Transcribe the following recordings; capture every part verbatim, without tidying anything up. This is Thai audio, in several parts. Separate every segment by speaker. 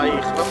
Speaker 1: ครับ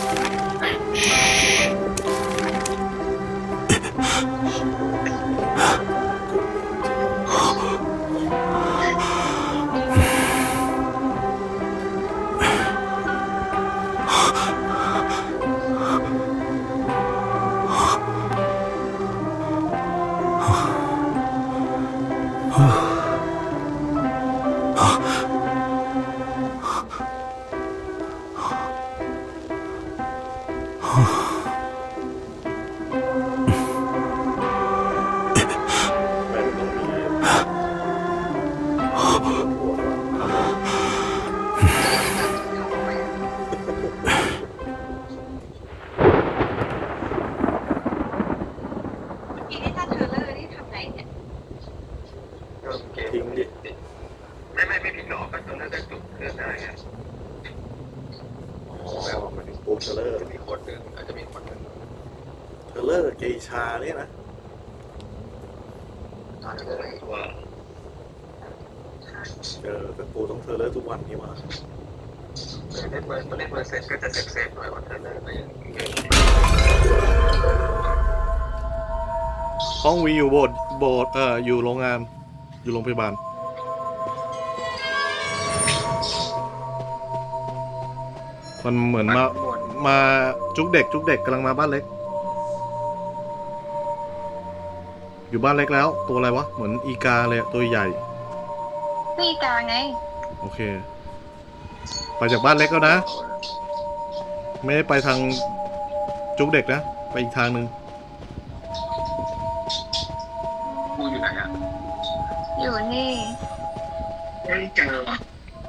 Speaker 1: ไม่ต้องมีหัว
Speaker 2: ทีนี้ถ้าเธอเลิกนี่ทำไงเนี่ย
Speaker 1: ทิ้งดิ
Speaker 3: ไม่ไม่ไม่ผิดหรอกก็ตรงนั้นก็จุดเกิดได้ไง
Speaker 1: อ๋อมันถึงปูเทเลอร์
Speaker 3: จะมีคนหนึ่งอาจจะมีคนหนึ่ง
Speaker 1: เทเลอร์เกชาเนี่ยนะ
Speaker 3: อาจจะเป็นตัว
Speaker 1: เออแต่ปูต้องเทเลอร์ทุกวันนี่มา
Speaker 3: เล่นเบอร์เล่นเบอร์เซฟก็จะเซฟเซฟหน่อยว่าเธอเลิกก็ยังเยอะ
Speaker 4: ห้องวีอยู่โบสถ์โบสถ์เอออยู่โรงงานอยู่โรงพยาบาลมันเหมือนมามาจุกเด็กจุกเด็กกำลังมาบ้านเล็กอยู่บ้านเล็กแล้วตัวอะไรวะเหมือนอีกาเลยตัวใหญ่
Speaker 2: ตีกาไง
Speaker 4: โอเคไปจากบ้านเล็กแล้วนะไม่ได้ไปทางจุกเด็กนะไปอีกทางหนึ่ง
Speaker 3: กูอยู่ไหนอ่ะ
Speaker 2: อยู่นี่
Speaker 3: ไม่เจอว่ะ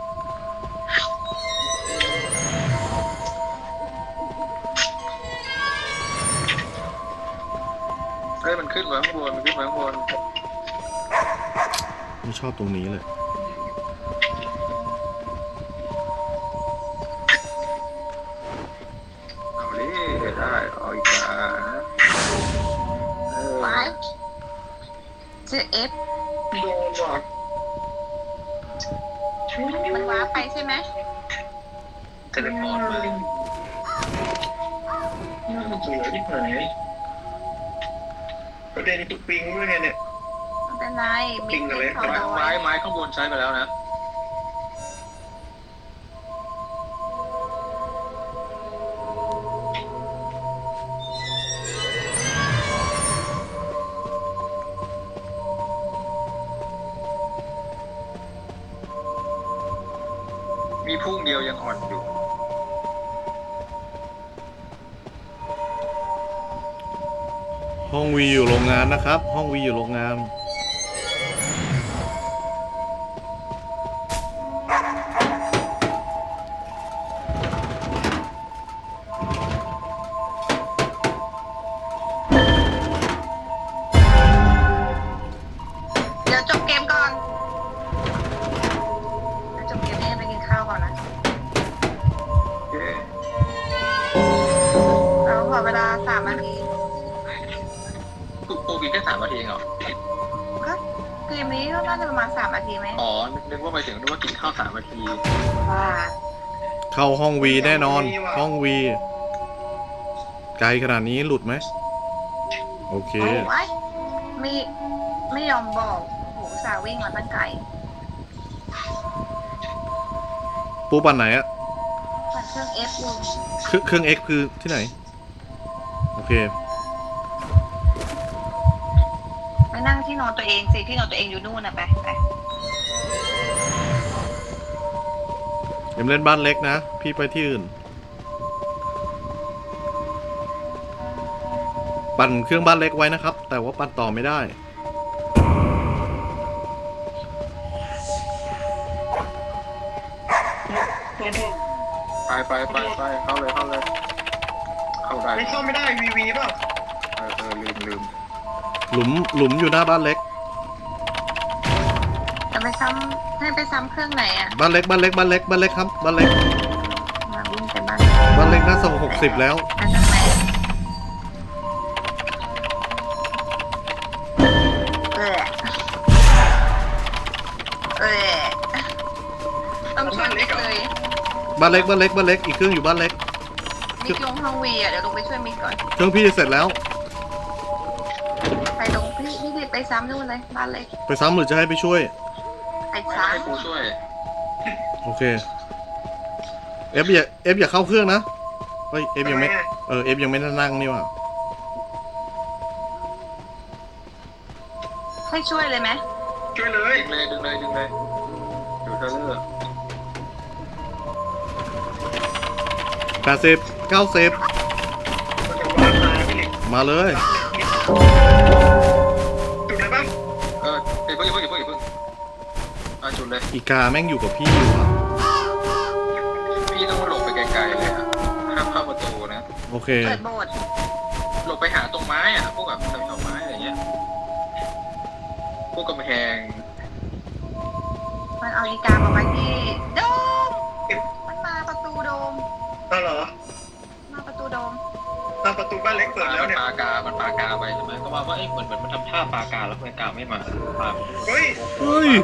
Speaker 3: เฮ้ยมันขึ้นมาข้างบนมันขึ้นมาข้างบน
Speaker 4: ไม่ชอบตรงนี้เลย
Speaker 3: เอาดิได้เอาอีกแล้วเออ
Speaker 2: ว้ายเจอเอฟ
Speaker 3: โดนว่ะ
Speaker 2: มันว้าไปใช่ไหม
Speaker 3: เทเลพอร์ตมาน่าเบื่อที่ไหนประเด็นคือปิงด้วยไงเนี่ย
Speaker 2: ไม่เป็นไรมี
Speaker 3: ปิงอะไร
Speaker 2: เขา
Speaker 3: ไม้
Speaker 2: เอา
Speaker 3: ไม้
Speaker 2: ไว้
Speaker 3: ไม้ข้างบนใช้ไปแล้วนะมีพุ่งเดียวยังอ่อนอยู่
Speaker 4: ห้องวีอยู่โรงงานนะครับ ห้องวีอยู่โรงงาน
Speaker 2: เดี๋ยวจบเกมก่อนเดี๋ยวจบเกมนี้ไปกินข้าวก่อนนะ
Speaker 3: เย้
Speaker 2: เราขอเวลาสามนาที
Speaker 3: ปูปูกินแค่สามนาทีเองเหรอ
Speaker 2: ก็เกมนี้ก็น่าจะประมาณสามนาทีไหม
Speaker 3: อ๋อ นึกว่าไปถึงนึกว่ากินข้าวสามนาที
Speaker 2: ว่า
Speaker 4: เข้าห้องวีแน่นอน ห้องวีไกลขนาดนี้หลุดไหมโอเค
Speaker 2: โอ้ยไม่ไม่ยอมบอกโหสาววิ่งมาตั้งไกล
Speaker 4: ปูปั่นไหนอะ
Speaker 2: ปั่นเครื่องเอฟอยู่
Speaker 4: เครื่องเครื่อง X คือที่ไหนโอเค
Speaker 2: ไปนั่งที่นอนตัวเองสิที่นอนตัวเองอยู่นู่นนะไปไป
Speaker 4: เอ็มเล่นบ้านเล็กนะ พี่ไปที่อื่น ปั่นเครื่องบ้านเล็กไว้นะครับ แต่ว่าปั่นต่อไม่ได้
Speaker 3: ไปไปไปไปเข้าเลยเข้าเลย เข้าได้
Speaker 5: ไม่เข้าไม่ได้วีวีป่ะ
Speaker 3: เออเออลืมลืม
Speaker 4: หลุมหลุมอยู่หน้าบ้านเล็ก
Speaker 2: จะไปซ้ำให้ไปซ้ำเครื่องไหนอ่ะ
Speaker 4: บ้านเล็กบ้านเล็กบ้านเล็กบ้านเล็กครับบ้านเล็ก
Speaker 2: มาวิ่งไปบ้าน
Speaker 4: บ้านเล็กน่าส่งหกสิบแล้ว
Speaker 2: อันนั้นไหนเออเออต้องช่วยเล็กเลย
Speaker 4: บ้านเล็กบ้านเล็กบ้านเล็กอีกเครื่องอยู่บ้านเล็ก
Speaker 2: มิกลงห้องวีอ่ะเดี๋ยวลงไปช่วยมิกก่อน
Speaker 4: เครื่องพี่เสร็จแล้ว
Speaker 2: ไปลงพี่พี่รีบไปซ้ำนู่นเลยบ้านเล็ก
Speaker 4: ไปซ้ำหรือจะให้ไปช่วย
Speaker 2: ไป
Speaker 3: ไม่
Speaker 2: ซ้
Speaker 3: ให้ปูช่วย
Speaker 4: โอเค เอฟอย่าเอฟอย่าเข้าเครื่องนะเฮ้ยเอฟยังไม่ เออเอฟยังไม่ได้นั่งนี่หว่า
Speaker 2: ำให้ช่วยเลยไหม
Speaker 5: ช่วยเลย
Speaker 3: ดึงเลยดึงเลยดึงเลยดูเทเลอร์
Speaker 4: แปดสิบเก้าสิบ
Speaker 5: มันจะวางมาพี่เล็ก
Speaker 4: มาเลย
Speaker 5: จุดไหนบ้าง
Speaker 3: เออเดี๋ยวเพิ่งอย่าเพิ่งอย่าเพิ่งอย่าเพิ่งอ่ะจุดเลย
Speaker 4: อีกาแม่งอยู่กับพี่อยู่อะ
Speaker 3: พี่ต้องหลบไปไกลๆเลยอะห้ามเข้าประตูนะ
Speaker 4: โอเค
Speaker 2: เปิดโบสถ์
Speaker 3: หลบไปหาตรงไม้อะพวกแบบแถวๆไม้อะไรเงี้ยพวกกำแพง
Speaker 2: มันเอาอีกามาไว้ที่โดมมันมาประตูโดม
Speaker 5: เอาเหรอ
Speaker 2: มาประตูโดม
Speaker 5: ตามประตูบ้านเล็กเปิดแล้วเนี่ย
Speaker 3: ปากา มันปากาไปใช่ไหมก็ว่าว่าเอ้ยเหมือนเหมือนมันทำท่าปากาแล้วทำไมกาไม่มาปา
Speaker 5: เฮ้ย
Speaker 4: เฮ้ย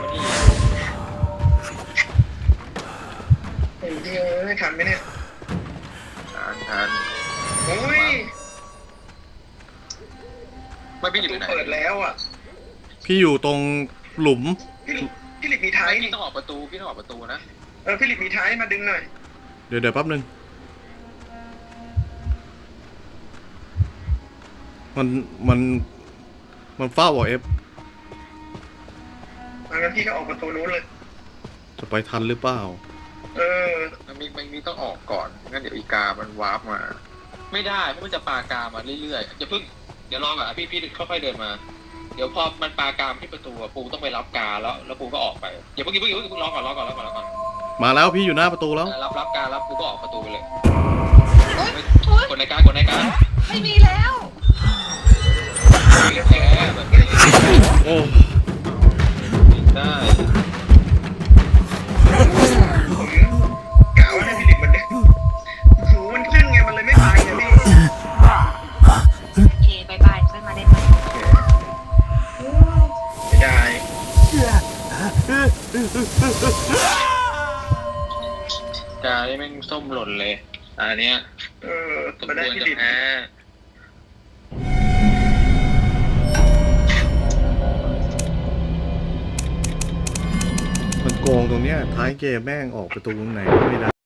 Speaker 5: โอ้ยเฮ้ยทันไหมเนี่ย
Speaker 3: ทานทาน
Speaker 5: โอ้ย
Speaker 3: ไม่
Speaker 5: ป
Speaker 3: พี่
Speaker 5: ระ
Speaker 3: อยู่
Speaker 5: ตู
Speaker 3: ไหน
Speaker 5: เปิดแล้วอ่ะ
Speaker 4: พี่อยู่ตรงหลุม
Speaker 5: พี่พี่หลิกมีท้าย
Speaker 3: ไม่
Speaker 5: นี่
Speaker 3: พี่ต้องออกประตูพี่ต้องออกประตูนะ
Speaker 5: เออพี่หลิกมีท้ายมาดึงหน่อย
Speaker 4: เดี๋ยวเดี๋ยวแป๊บนึง มันมันมันเฝ้าเหรอเอฟ
Speaker 5: งั้นพี่ก็ออกประตูนู้นเลย
Speaker 4: จะไปทันหรือเปล่า
Speaker 5: เออ
Speaker 3: มันมีมันมีต้องออกก่อนงั้นเดี๋ยวอีกา มันวาร์ปมา ไม่ได้เพราะมันจะปากามาเรื่อยๆอย่าเพิ่งเดี๋ยวรอก่อนอะพี่พี่ค่อยๆเดินมา เดี๋ยวพอมันปากามาที่ประตูอะปูต้องไปรับกาแล้วแล้วปูก็ออกไปอย่าเพิ่งอย่าเพิ่งอย่าเพิ่งรอก่อนรอก่อนรอก่อนรอก่อน
Speaker 4: มาแล้วพี่อยู่หน้าประตูแล้ว
Speaker 3: รับรับการับปูก็ออกประตูไปเลย
Speaker 2: โอ๊ยโอ๊ย
Speaker 3: กดในการกดในการ
Speaker 2: ไม่มีแล้ว
Speaker 3: แพ้แบบนี้
Speaker 4: โอ้
Speaker 3: ได้
Speaker 5: ผมกะว่าให้พี่หลิกมันเนี่ยหูมันขึ้นไงมันเลยไม่ไปนะพี่
Speaker 2: โอเคบายบายค่อยมาได้ไหม
Speaker 5: ไม่ได้
Speaker 3: กานี่แม่งส้มหล่นเลยอันเนี้ย
Speaker 5: เออ
Speaker 3: สม
Speaker 5: มาได้
Speaker 3: ควร
Speaker 5: พี่
Speaker 3: จะ
Speaker 5: หลิก
Speaker 3: แพ้
Speaker 4: มันโกงตรงเนี้ยท้ายเกมแม่งออกประตูตรงไหนก็ไม่ได้